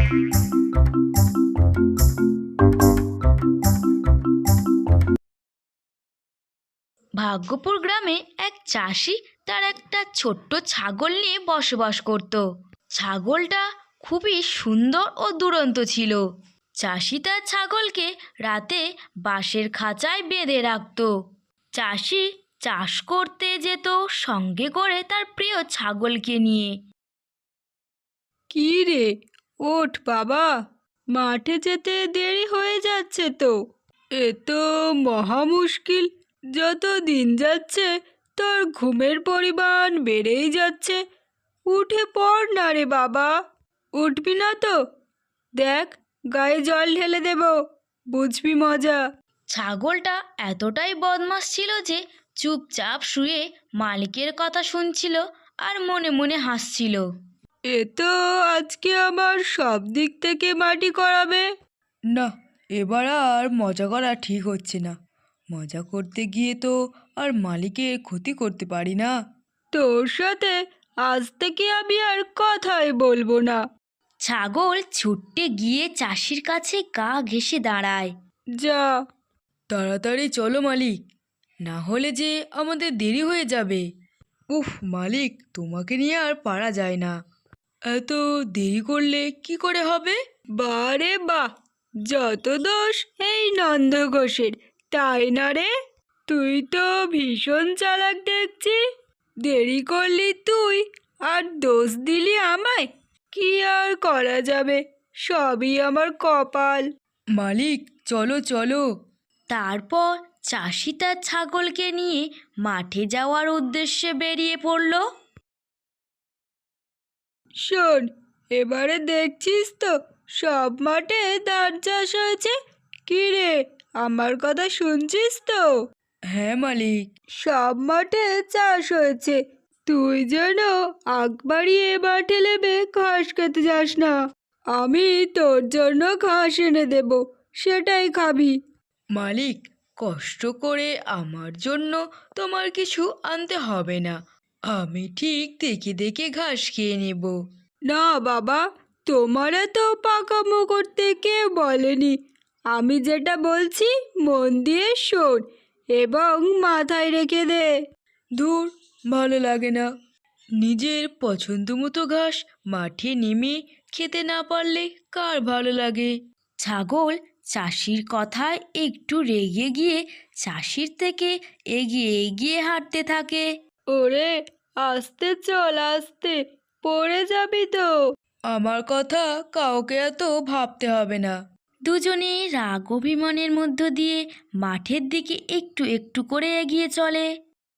ভাগ্যপুর গ্রামে এক চাষি তার একটা ছোট্ট ছাগল নিয়ে বসবাস করত। ছাগলটা খুবই সুন্দর ও দুরন্ত ছিল। চাষি তার ছাগলকে রাতে বাঁশের খাঁচায় বেঁধে রাখত। চাষি চাষ করতে যেত সঙ্গে করে তার প্রিয় ছাগলকে নিয়ে। কি রে, ওঠ বাবা, মাঠে যেতে দেরি হয়ে যাচ্ছে তো। এ তো মহা মুশকিল। যত দিন যাচ্ছে তোর ঘুমের পরিমাণ বেড়েই যাচ্ছে। উঠে পড় না রে বাবা। উঠবি না তো? দেখ, গায়ে জল ঢেলে দেব, বুঝবি মজা। ছাগলটা এতটাই বদমাশ ছিল যে চুপচাপ শুয়ে মালিকের কথা শুনছিল আর মনে মনে হাসছিল। এ তো আজকে আমার সব দিক থেকে মাটি করাবে। না, এবার আর মজা করা ঠিক হচ্ছে না। মজা করতে গিয়ে তো আর মালিকের ক্ষতি করতে পারি না। তোর সাথে আজ থেকে আমি আর কথাই বলবো না। ছাগল ছুটে গিয়ে চাষির কাছে গা ঘেঁষে দাঁড়ায়। যা, তাড়াতাড়ি চলো মালিক, না হলে যে আমাদের দেরি হয়ে যাবে। উফ মালিক, তোমাকে নিয়ে আর পারা যায় না। এত দেরি করলে কি করে হবে? বারে বাহ, যত দোষ এই নন্দ ঘোষের, তাই না রে? তুই তো ভীষণ চালাক দেখছি। দেরি করলি তুই, আর দোষ দিলি আমায়। কি আর করা যাবে, সবই আমার কপাল। মালিক, চলো চলো। তারপর চাষি তার ছাগলকে নিয়ে মাঠে যাওয়ার উদ্দেশ্যে বেরিয়ে পড়ল। শোন, এবারে দেখছিস তো সব মাঠে ধান চাষ হয়েছে। কি রে, আমার কথা শুনছিস তো? হ্যাঁ মালিক, সব মাঠে চাষ হয়েছে। তুই যেন আগ বাড়িয়ে মাঠে নেবে ঘাস খেতে যাস না। আমি তোর জন্য ঘাস এনে দেব, সেটাই খাবি। মালিক, কষ্ট করে আমার জন্য তোমার কিছু আনতে হবে না। আমি ঠিক দেখে দেখে ঘাস খেয়ে নেব। না বাবা, তোমার এত পাকামো করতে কেউ বলেনি। আমি যেটা বলছি মন দিয়ে শোন এবং মাথায় রেখে দে। ধুর, ভালো লাগে না। নিজের পছন্দ মতো ঘাস মাঠে নেমে খেতে না পারলে কার ভালো লাগে? ছাগল চাষির কথায় একটু রেগে গিয়ে চাষির থেকে এগিয়ে এগিয়ে হাঁটতে থাকে। ওরে, আস্তে চল, আস্তে, পড়ে যাবি তো। আমার কথা কাউকে এত ভাবতে হবে না। দুজনে রাগ অভিমানের মধ্য দিয়ে মাঠের দিকে একটু একটু করে এগিয়ে চলে।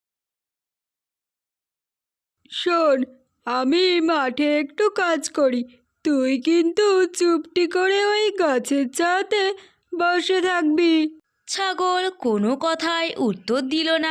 শোন, আমি মাঠে একটু কাজ করি, তুই কিন্তু চুপটি করে ওই গাছের ছায়াতে বসে থাকবি। ছাগল কোনো কথায় উত্তর দিল না।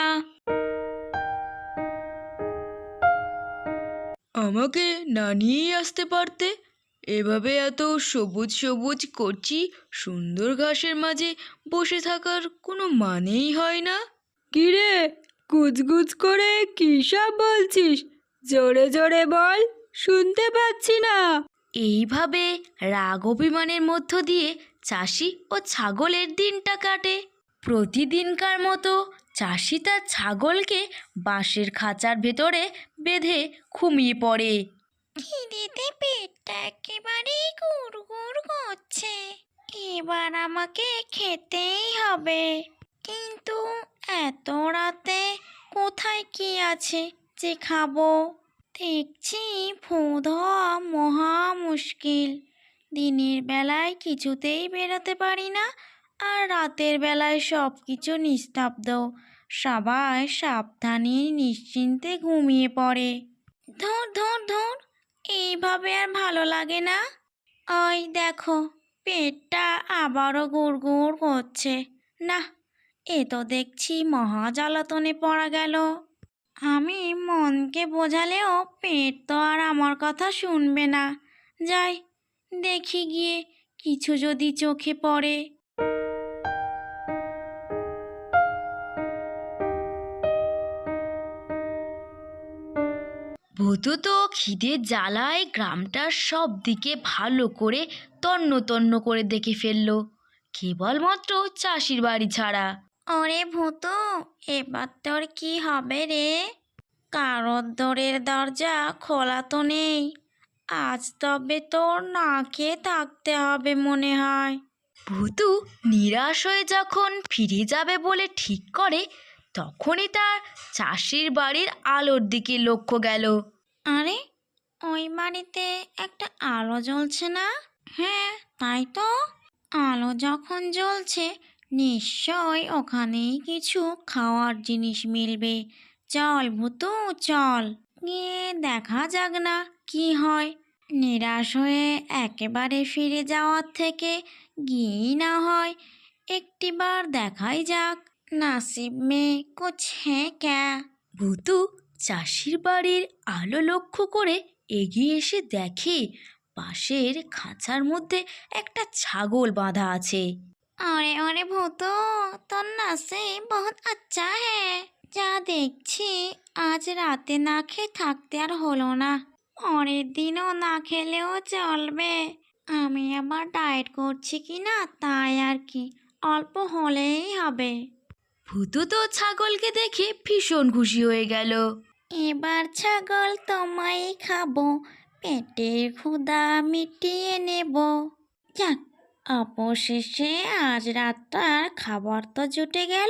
আমাকে না নিয়েই আসতে পারতে। এভাবে এত সবুজ সবুজ করছি সুন্দর ঘাসের মাঝে বসে থাকার কোনো মানেই হয় না। কিরে, গুজগুজ করে কী সব বলছিস? জোরে জোরে বল, শুনতে পাচ্ছি না। এইভাবে রাগ অভিমানের মধ্য দিয়ে চাষি ও ছাগলের দিনটা কাটে। প্রতিদিনকার মতো চাষি তার ছাগলকে বাঁশের খাঁচার ভেতরে বেঁধে ঘুমিয়ে পড়ে। খিদেতে পেটটা একেবারেই গুড়গুড় করছে। এবার আমাকে খেতেই হবে। কিন্তু এত রাতে কোথায় কি আছে যে খাবো? দেখছি ভোঁদ হওয়া মহা মুশকিল। দিনের বেলায় কিছুতেই বেরোতে পারি না, আর রাতের বেলায় সব কিছু নিস্তব্ধ। সবাই সাবধানে নিশ্চিন্তে ঘুমিয়ে পড়ে। ধুর ধুর ধুর, এইভাবে আর ভালো লাগে না। ওই দেখো, পেটটা আবারও গুড়গুড় করছে। না, এ তো দেখছি মহা জ্বালাতনে পড়া গেল। আমি মনকে বোঝালেও পেট তো আর আমার কথা শুনবে না। যাই, দেখি গিয়ে কিছু যদি চোখে পড়ে। ভূতু তো খিদের জ্বালায় গ্রামটার সব দিকে ভালো করে তন্ন তন্ন করে দেখে ফেললো, কেবলমাত্র চাষির বাড়ি ছাড়া। ওরে ভূতু, এবার তোর কি হবে রে? কারোর দরের দরজা খোলা তো নেই। আজ তবে তোর না খেয়ে থাকতে হবে মনে হয়। ভূতু নিরাশ হয়ে যখন ফিরে যাবে বলে ঠিক করে, তখনই তার চাষির বাড়ির আলোর দিকে লক্ষ্য গেল। আরে, ওই বাড়িতে একটা আলো জ্বলছে না? হ্যাঁ, তাই তো। আলো যখন জ্বলছে, নিশ্চয় ওখানেই কিছু খাওয়ার জিনিস মিলবে। চল ভূতু, চল গিয়ে দেখা যাক না কি হয়। নিরাশ হয়ে একেবারে ফিরে যাওয়ার থেকে গিয়েই না হয় একটিবার দেখাই যাক। নাসিব মে কুছ হ্যাঁ ক্যা। ভূতু চাষির বাড়ির আলো লক্ষ্য করে এগিয়ে এসে দেখে পাশের খাঁচার মধ্যে একটা ছাগল বাঁধা আছে। अरे अरे भूतो, তোর নসিব বহুত আচ্ছা হ্যাঁ। যা দেখছি আজ রাতে না খেয়ে থাকতে আর হলো না। পরের দিনও না খেলেও চলবে। আমি আবার ডায়েট করছি কি না তাই আর কি, অল্প হলেই হবে। ভূতু তো ছাগলকে দেখে ভীষণ খুশি হয়ে গেল। এবার ছাগল তোমায় খাবো, পেটের ক্ষুধা মিটিয়ে নেব। যাক, অবশেষে আজ রাতটার খাবার তো জুটে গেল।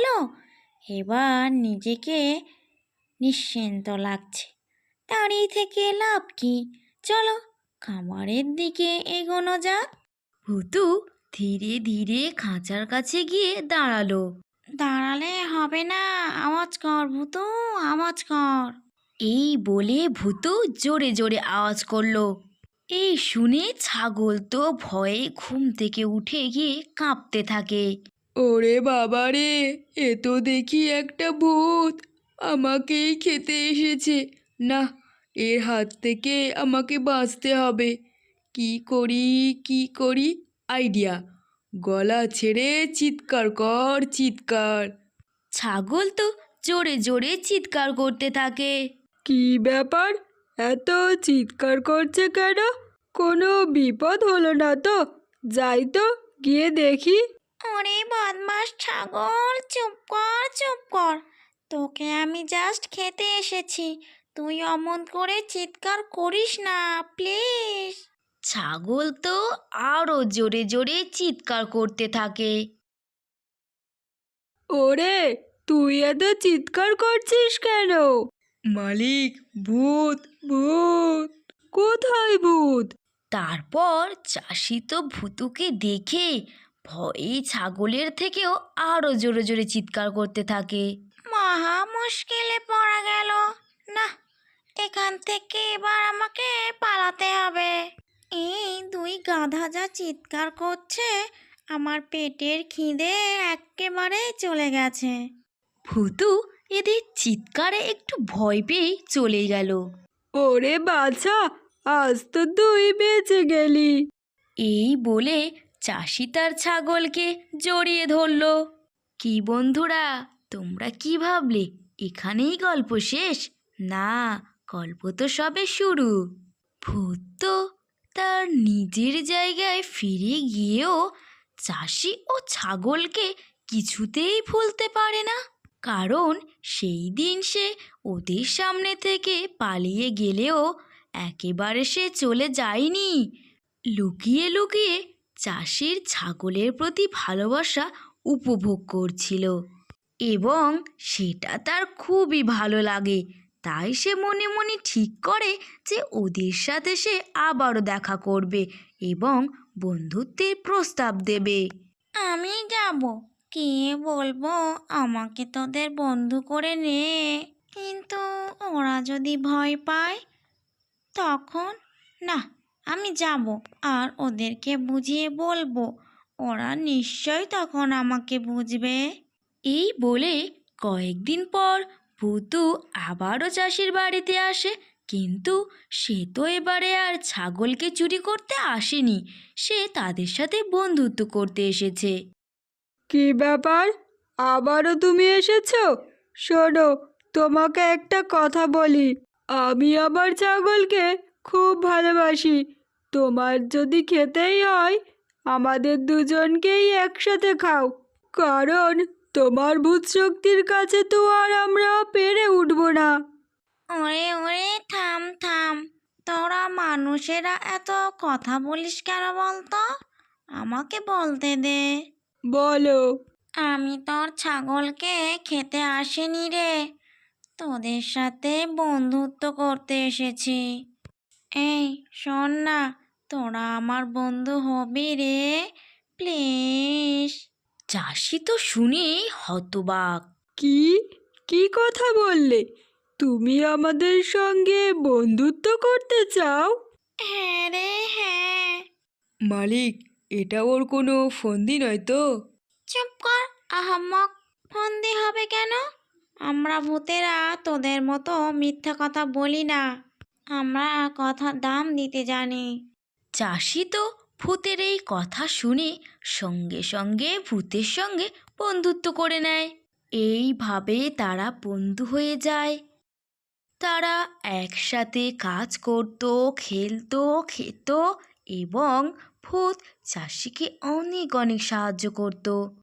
এবার নিজেকে নিশ্চিন্ত লাগছে। দাঁড়িয়ে থেকে লাভ কি? চলো খাবারের দিকে এগোনো যাক। ভূতু ধীরে ধীরে খাঁচার কাছে গিয়ে দাঁড়ালো। দাঁড়ালে হবে না, আওয়াজ কর ভূতু, আওয়াজ কর। এই বলে ভূতু জোরে জোরে আওয়াজ করলো। এই শুনে ছাগল তো ভয়ে ঘুম থেকে উঠে গিয়ে কাঁপতে থাকে। ওরে বাবা রে, এ তো দেখি একটা ভূত আমাকেই খেতে এসেছে। না, এর হাত থেকে আমাকে বাঁচতে হবে। কি করি কি করি, আইডিয়া! গলা ছেড়ে চিৎকার কর, চিৎকার! ছাগল তো জোরে জোরে চিৎকার করতে থাকে। কি ব্যাপার, এত চিৎকার করছে কেন? কোনো বিপদ হলো না তো? যাই তো, গিয়ে দেখি। ওরে বদমাস ছাগল, চুপ কর চুপ কর। তোকে আমি জাস্ট খেতে এসেছি, তুই অমন করে চিৎকার করিস না প্লিজ। ছাগল তো আরো জোরে জোরে চিৎকার করতে থাকে। ওরে, তুই এত চিৎকার করছিস কেন? মালিক, ভূত ভূত! কোথায় ভূত? তারপর চাষি তো ভূতুকে দেখে ভয়ে ছাগলের থেকেও আরো জোরে জোরে চিৎকার করতে থাকে। মহা মুশকিলে পড়া গেল। না, এখান থেকে এবার আমাকে পালাতে হবে। এই দুই গাধা যা চিৎকার করছে, আমার পেটের খিদে একেবারে চলে গেছে। ভূতু এদের চিৎকারে একটু ভয় পেয়ে চলে গেল। ওরে বাছা, আজ তো তুই বেঁচে গেলি। এই বলে চাষি তার ছাগলকে জড়িয়ে ধরল। কি বন্ধুরা, তোমরা কি ভাবলে এখানেই গল্প শেষ? না, গল্প তো সবে শুরু। ভূত তো তার নিজের জায়গায় ফিরে গিয়েও চাষি ও ছাগলকে কিছুতেই ভুলতে পারে না। কারণ সেই দিন সে ওদের সামনে থেকে পালিয়ে গেলেও একেবারে সে চলে যায়নি। লুকিয়ে লুকিয়ে চাষির ছাগলের প্রতি ভালোবাসা উপভোগ করছিল এবং সেটা তার খুবই ভালো লাগে। তাই সে মনে মনে ঠিক করে যে ওদের সাথে সে আবারও দেখা করবে এবং বন্ধুত্বের প্রস্তাব দেবে। আমি যাব, কে বলবো আমাকে তোদের বন্ধু করে নে। কিন্তু ওরা যদি ভয় পায় তখন? না, আমি যাব আর ওদেরকে বুঝিয়ে বলবো, ওরা নিশ্চয় তখন আমাকে বুঝবে। এই বলে কয়েকদিন পর ভূতু আবারও চাষির বাড়িতে আসে, কিন্তু সে তো এবারে আর ছাগলকে চুরি করতে আসেনি, সে তাদের সাথে বন্ধুত্ব করতে এসেছে। কি ব্যাপার, আবারও তুমি এসেছো? শোনো, তোমাকে একটা কথা বলি। আমি আমার ছাগলকে খুব ভালোবাসি। তোমার যদি খেতেই হয় আমাদের দুজনকেই একসাথে খাও, কারণ তোমার ভূত শক্তির কাছে তো আর আমরা পেরে উঠবো না। ওরে ওরে, থাম থাম। তোরা মানুষেরা এত কথা বলিস কেন বলতো? আমাকে বলতে দে। বলো। আমি তোর ছাগলকে খেতে আসিনি রে, তোদের সাথে বন্ধুত্ব করতে এসেছি। এই শোন না, তোরা আমার বন্ধু হবি রে, প্লিজ। চাষি তো শুনেই হতবাক। কি কি কথা বললে? তুমি আমাদের সঙ্গে বন্ধুত্ব করতে চাও? হ্যাঁ রে হ্যাঁ। মালিক, এটা ওর কোনো ফন্দি নয় তো? চুপ কর, আহাম্মক। ফন্দি হবে কেন? আমরা ভূতেরা তোদের মতো মিথ্যা কথা বলি না, আমরা কথার দাম দিতে জানি। চাষি তো ভূতের এই কথা শুনে সঙ্গে সঙ্গে ভূতের সঙ্গে বন্ধুত্ব করে নেয়। এইভাবে তারা বন্ধু হয়ে যায়। তারা একসাথে কাজ করত, খেলতো, খেত এবং ভূত চাষিকে অনেক অনেক সাহায্য করত।